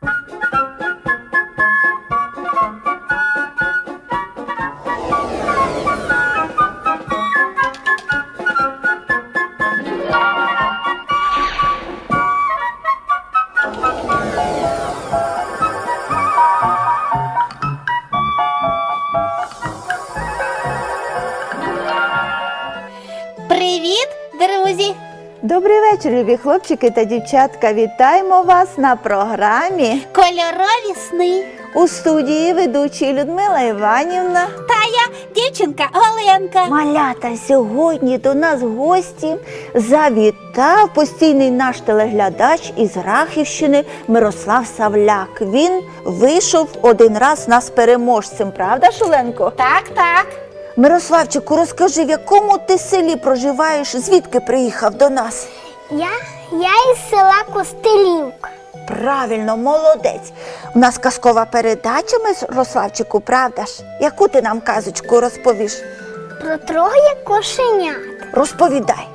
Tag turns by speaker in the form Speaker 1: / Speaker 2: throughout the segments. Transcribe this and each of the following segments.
Speaker 1: Привіт, друзі!
Speaker 2: Добрий вечір, любі хлопчики та дівчатка. Вітаємо вас на програмі
Speaker 1: Кольорові сни.
Speaker 2: у студії ведучі Людмила Іванівна.
Speaker 1: Та я дівчинка Оленка.
Speaker 2: Малята, сьогодні до нас в гості завітав постійний наш телеглядач із Рахівщини Мирослав Савляк. Він вийшов один раз нас переможцем, правда, Оленко?
Speaker 1: Так, так.
Speaker 2: Мирославчику, розкажи, в якому ти селі проживаєш, звідки приїхав до нас?
Speaker 3: Я із села Костелівка.
Speaker 2: Правильно, молодець. У нас казкова передача, Мирославчику, правда ж? Яку ти нам казочку розповіш?
Speaker 3: Про троє кошенят.
Speaker 2: Розповідай.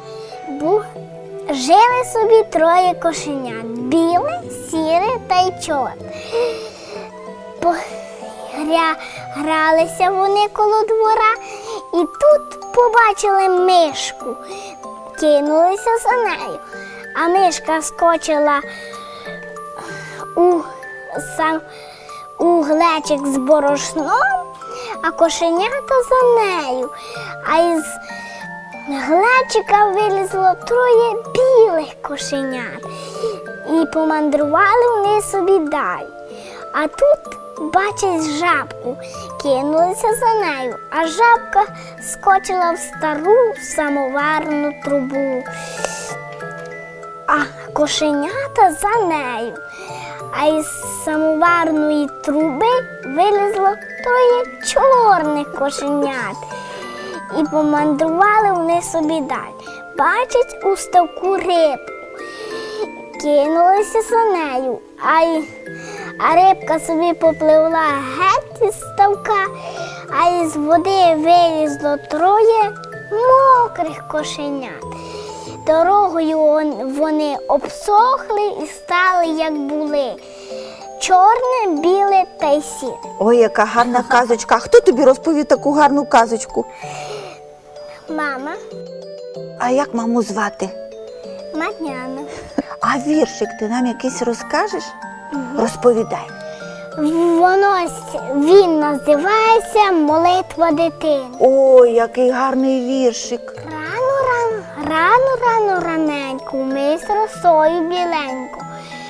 Speaker 3: Жили собі троє кошенят. Біле, сіре та й чорне. Гралися вони коло двора і тут побачили мишку. Кинулися за нею, а мишка скочила у глечик з борошном, а кошенята за нею. А із глечика вилізло троє білих кошенят. І помандрували вони собі далі. А тут бачать жабку, кинулися за нею, а жабка скочила в стару самоварну трубу. А кошенята за нею. А із самоварної труби вилізло троє чорних кошенят. І помандрували вони собі далі. Бачать у ставку рибку, кинулися за нею, а рибка собі попливла геть із ставка, а із води вилізло троє мокрих кошенят. Дорогою вони обсохли і стали, як були. Чорне, біле та й сіре.
Speaker 2: Ой, яка гарна казочка. А хто тобі розповів таку гарну казочку?
Speaker 3: Мама,
Speaker 2: А як маму звати?
Speaker 3: Матняна.
Speaker 2: А віршик ти нам якийсь розкажеш? Розповідай.
Speaker 3: Він називається «Молитва дитини».
Speaker 2: Ой, який гарний віршик.
Speaker 3: Рано раненько, вмий з росою біленько,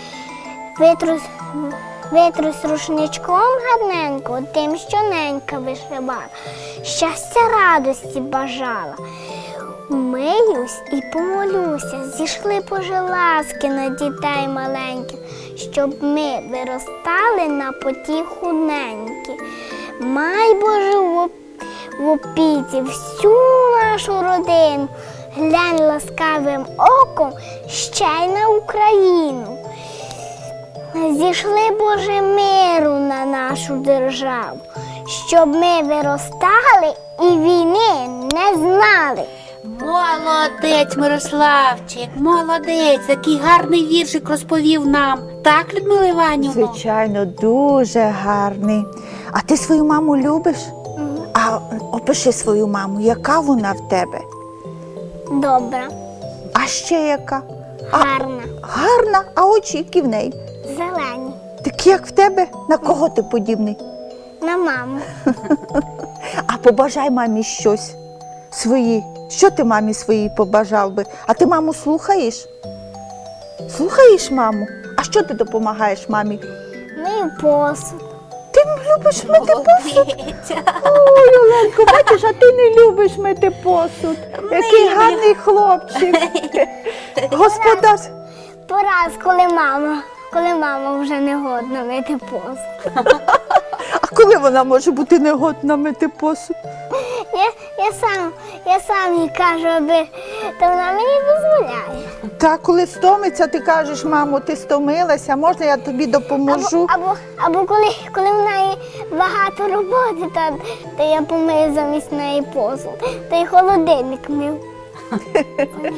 Speaker 3: витрусь рушничком гарненько, тим, що ненька вишивала, щастя радості бажала. Вмиюсь і помолюся, зійшли Божі ласки на дітей маленьких, щоб ми виростали на потіху неньки. Май, Боже, в опіці всю нашу родину, глянь ласкавим оком ще й на Україну. Зійшли, Боже, миру на нашу державу, щоб ми виростали і війни не знали.
Speaker 1: Молодець, Мирославчик, молодець. Такий гарний віршик розповів нам. Так, Людмила Іванівна?
Speaker 2: Звичайно, дуже гарний. А ти свою маму любиш? А опиши свою маму, яка вона в тебе?
Speaker 3: Добра,
Speaker 2: А ще яка?
Speaker 3: гарна,
Speaker 2: Гарна, а очі які в неї?
Speaker 3: зелені.
Speaker 2: Такі, як в тебе? На кого ти подібний?
Speaker 3: На маму.
Speaker 2: А побажай мамі щось свої. Що ти мамі своїй побажав би? А ти маму слухаєш? Слухаєш маму? А що ти допомагаєш мамі?
Speaker 3: Мию посуд.
Speaker 2: Ти любиш мити посуд?
Speaker 1: Молодець.
Speaker 2: Ой, Оленко, бачиш, а ти не любиш мити посуд. Який
Speaker 1: Милий.
Speaker 2: гарний хлопчик. Господар.
Speaker 3: Пораз, коли мама вже не годна мити посуд.
Speaker 2: А коли вона може бути негодна мити посуд?
Speaker 3: Я сам їй кажу, то вона мені дозволяє.
Speaker 2: Та коли стомиться, ти кажеш, мамо, ти стомилася, можна я тобі допоможу?
Speaker 3: Або коли в неї багато роботи, то я помию замість неї посуд. Та й холодильник мив.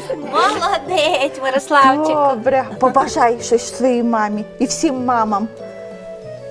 Speaker 1: Молодець, Мирославчик.
Speaker 2: Добре, побажай щось своїй мамі і всім мамам.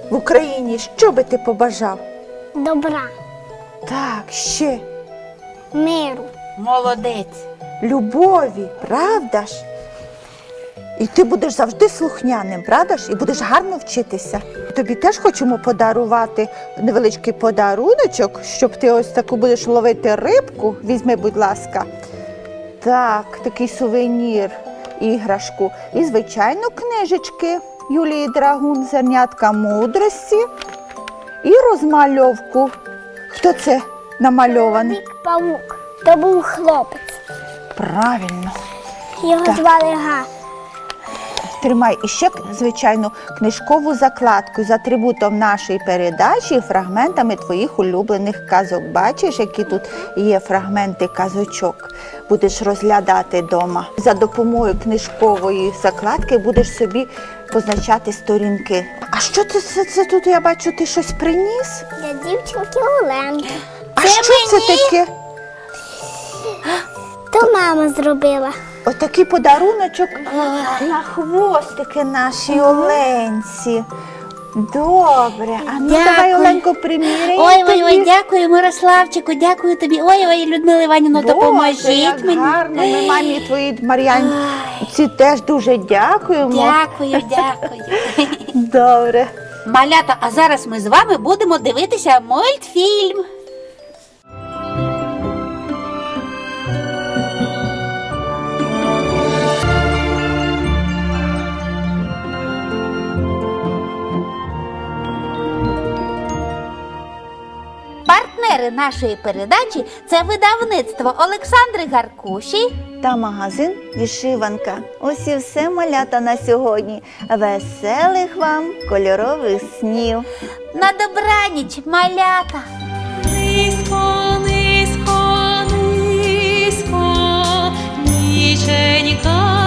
Speaker 2: в Україні, що би ти побажав?
Speaker 3: Добра,
Speaker 2: Так, ще
Speaker 3: миру.
Speaker 1: Молодець.
Speaker 2: любові, правда ж? І ти будеш завжди слухняним, правда ж? І будеш гарно вчитися. Тобі теж хочемо подарувати невеличкий подаруночок, щоб ти ось таку будеш ловити рибку. Візьми, будь ласка. Так, такий сувенір, іграшку. І, звичайно, книжечки Юлії Драгун, «Зернятка мудрості» і розмальовку. Хто це намальований?
Speaker 3: Чоловік-павук. То був хлопець.
Speaker 2: Правильно.
Speaker 3: Його
Speaker 2: Так.
Speaker 3: звали Га.
Speaker 2: Тримай і ще, звичайно, книжкову закладку з атрибутом нашої передачі і фрагментами твоїх улюблених казок. Бачиш, які тут є фрагменти казочок. Будеш розглядати вдома. За допомогою книжкової закладки будеш собі позначати сторінки. А що це тут, я бачу, ти щось приніс?
Speaker 3: Для дівчинки Оленки.
Speaker 2: А що це таке?
Speaker 3: То мама зробила.
Speaker 2: Отакий подаруночок на хвостики нашій Оленці. Добре. А ну давай,
Speaker 1: Дякую.
Speaker 2: Оленко, приміряй.
Speaker 1: Ой, дякую, Мирославчику, дякую тобі. Ой, Людмила Іванівна, допоможіть
Speaker 2: як
Speaker 1: мені.
Speaker 2: гарно. Ми мамі твоїй Мар'янці теж дуже дякуємо.
Speaker 1: Дякую.
Speaker 2: Добре.
Speaker 1: Малята, а зараз ми з вами будемо дивитися мультфільм. Партнери нашої передачі – це видавництво Олександри Гаркуші
Speaker 2: Та магазин «Вишиванка». Ось і все, малята, на сьогодні. Веселих вам кольорових снів.
Speaker 1: на добраніч, малята.
Speaker 4: Низько, низько, низько, ніченька